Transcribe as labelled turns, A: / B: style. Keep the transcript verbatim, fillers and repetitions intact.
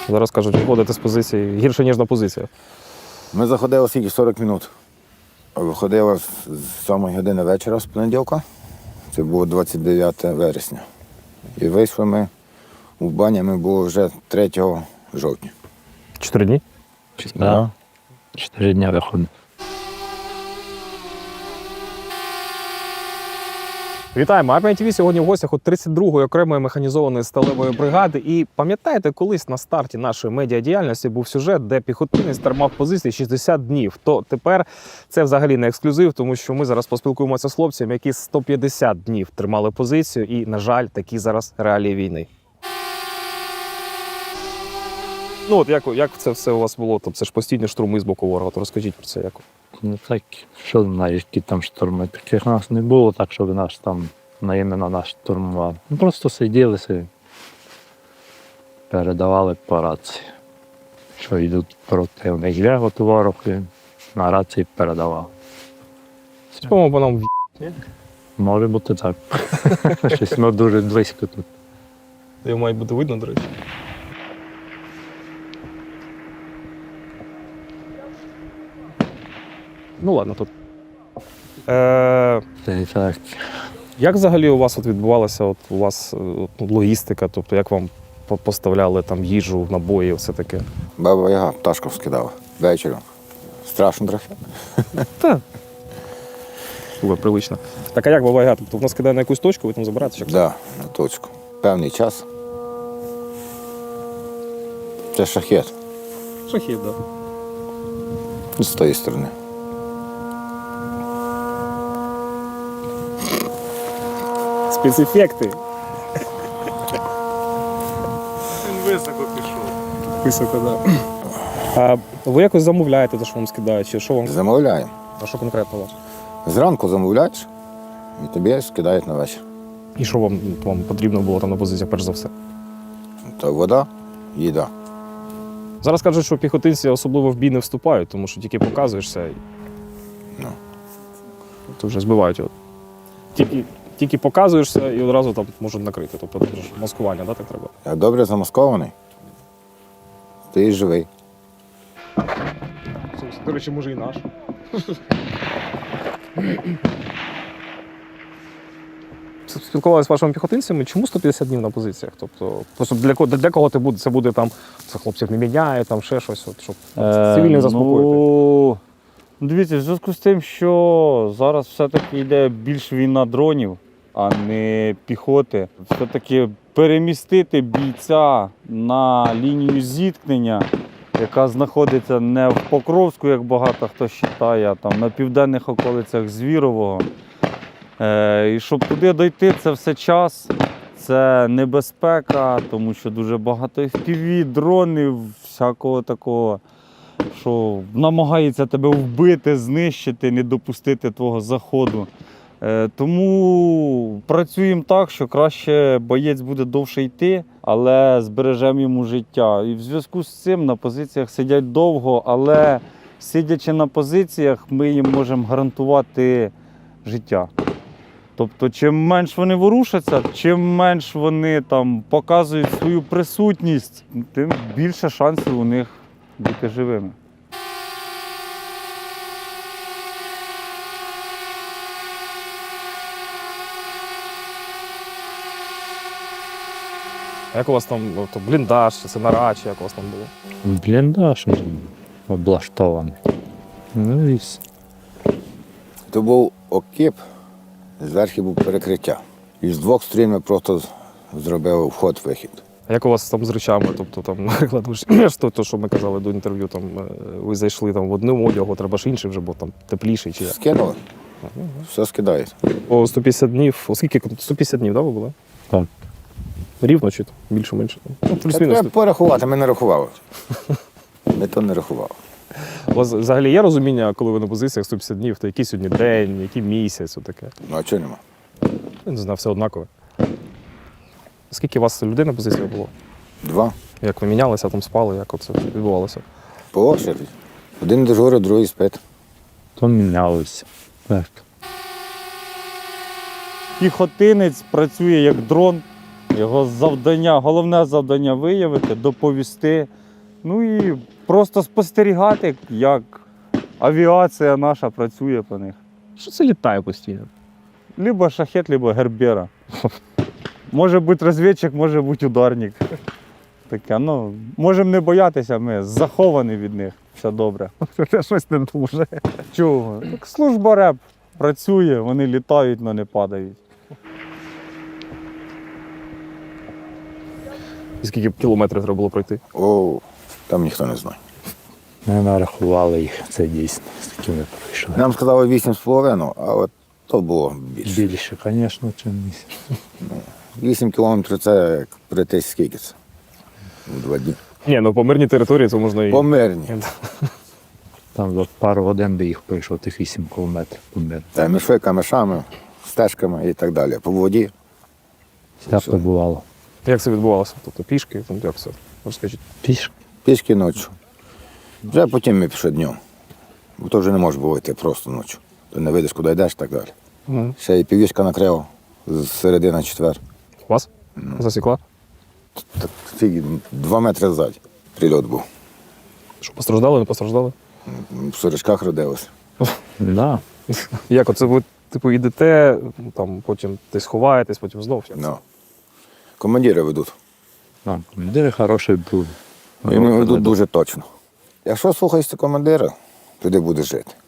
A: Зараз кажуть, виходити з позиції гірше, ніж на позиціях.
B: Ми заходили скільки сорок минут. Виходили з сьомої години вечора з понеділка. Це було двадцять дев'яте вересня. І вийшли ми у бані, ми були вже третього жовтня.
A: Чотири дні?
C: Да. Чотири дні виходить.
A: Вітаємо! Армія ТВ сьогодні в гостях у тридцять другої окремої механізованої сталевої бригади. І пам'ятаєте, колись на старті нашої медіадіяльності був сюжет, де піхотинець тримав позиції шістдесят днів. То тепер це взагалі не ексклюзив, тому що ми зараз поспілкуємося з хлопцями, які сто п'ятдесят днів тримали позицію. І, на жаль, такі зараз реалії війни. Ну от як, як це все у вас було? Тобто це ж постійні штурми з боку ворога. То розкажіть про це як.
C: Ну так, що знаєш, які там штурми. Таких нас не було, так щоб нас там на іменно нас штурмували. Ми просто сиділи собі, передавали по рації, що йдуть противник. Є от ворог, і на рації передавав.
A: По-моєму, по нам в***.
C: Може бути так. Щось ми дуже близько тут.
A: Його має бути видно, до речі. Ну ладно, тут. Е,
C: Це так.
A: Як взагалі у вас от відбувалася от у вас от, логістика? Тобто як вам по- поставляли там їжу, набої, все таке?
B: Баба Яга пташку скидала ввечері. Страшно трохи.
A: Так. Супер, привично. Так а як буває? Га? Тобто воно скидає на якусь точку, ви там забираєте? Чи як?
B: Да, на точку. Певний час. Це шахет
A: Шахід, так. Да.
B: з тої сторони.
A: Спецефекти.
D: Він високо пішов.
A: Високо, так. Да. А ви якось замовляєте те, що вам скидають? Чи що вам?
B: Замовляємо.
A: А що конкретно у вас?
B: Зранку замовляєш і тобі скидають на вечір.
A: І що вам, вам потрібно було там на позиціях, перш за все?
B: То вода, їда.
A: Зараз кажуть, що піхотинці особливо в бій не вступають, тому що тільки показуєшся і
B: Ну.
A: то вже збивають його. Тільки, тільки показуєшся і одразу там можуть накрити. Тобто це ж маскування, да, так треба?
B: Як добре замаскований, ти і живий.
A: До речі, може і наш. Спілкувалися з вашими піхотинцями, чому сто п'ятдесят днів на позиціях? Тобто, просто для кого, для кого це буде? Це буде там, це хлопців не міняє, там ще щось, от, щоб цивільних заспокоїти.
D: Ну, дивіться, в зв'язку з тим, що зараз все-таки йде більш війна дронів, а не піхоти. Все-таки перемістити бійця на лінію зіткнення, яка знаходиться не в Покровську, як багато хто вважає, а там на південних околицях Звірового. Е, і щоб туди дойти, це все час, це небезпека, тому що дуже багато еф пі ві, дронів, всякого такого, що намагається тебе вбити, знищити, не допустити твого заходу. Е, тому працюємо так, що краще боєць буде довше йти, але збережемо йому життя. І в зв'язку з цим на позиціях сидять довго, але сидячи на позиціях, ми їм можемо гарантувати життя. Тобто, чим менш вони ворушаться, чим менш вони там показують свою присутність, тим більше шансів у них бути живими.
A: А як у вас там ну, то бліндаж, чи це нара, чи як у вас там було?
C: Бліндаж облаштований. Ну і все.
B: То був окіп, зверху був перекриття. І з двох сторін ми просто зробили вход-вихід.
A: А як у вас там з речами? Тобто, там, наприклад, ви ж ж то, то, що ми казали до інтерв'ю, там, е, ви зайшли там, в одному одягу, треба ж інший вже, бо там тепліший чи як?
B: Скинули, все скидають.
A: По сто п'ятдесят днів, оскільки сто п'ятдесят днів, да, ви були?
C: Так.
A: Рівно чи там, більше-менше? Ну,
B: Та
A: плюс-мінус.
B: треба порахувати, ми не рахували. Ми то не рахували.
A: У вас взагалі є розуміння, коли ви на позиціях сто п'ятдесят днів, то який сьогодні день, який місяць, отаке?
B: Ну а чого нема?
A: Я не знаю, все однакове. Скільки у вас людей на позиціях було?
B: Два.
A: Як ви мінялися, там спали, як це відбувалося?
B: По очереді. Один дежурить, другий спить.
C: То мінялося. Так.
D: Піхотинець працює як дрон, Його завдання, головне завдання виявити, доповісти. Ну і просто спостерігати, як авіація наша працює по них.
A: Що це літає постійно?
D: Либо шахет, либо гербера. Може бути розвідчик, може бути ударник. Таке, ну, можемо не боятися, ми заховані від них. Все добре.
A: Це щось не дуже.
D: Чого? Так служба РЕП працює, вони літають, але не падають.
A: І скільки б кілометрів треба було пройти?
B: О, там ніхто не знає.
C: Ми нарахували їх, це дійсно, скільки ми пройшли.
B: Нам сказали вісім з половиною, а от то було більше.
C: Більше, звісно, чим місяць.
B: Вісім кілометрів це як прийти скільки це? У два дні.
A: Ні, ну по мирній території це можна і.
B: По мирні.
C: Там за пару годин би їх пройшов тих вісім кілометрів по миру.
B: Та мішли камешами, стежками і так далі. По воді.
C: Всяке бувало.
A: Як це відбувалося? Тобто пішки, там як все? Розкажіть.
C: Пішки.
B: Пішки ночі. Вже потім ми пішли днем. Бо то вже не може було йти просто ночі. Ти не видиш, куди йдеш і так далі.
A: Угу.
B: Ще і півішка накрила з середи на четвер.
A: Вас? Засікла?
B: Так скільки? Два метри ззаді. Прильот був.
A: Що постраждали, не постраждали?
B: В сорочках родилися.
C: Да.
A: Як оце ви, типу, йдете, там потім десь ховаєтесь, потім знов. Як це?
B: Ну. Командири ведуть.
C: Да. Командири хороші були.
B: І вони ведуть дуже точно. Якщо слухаєшся командира, туди будеш жити.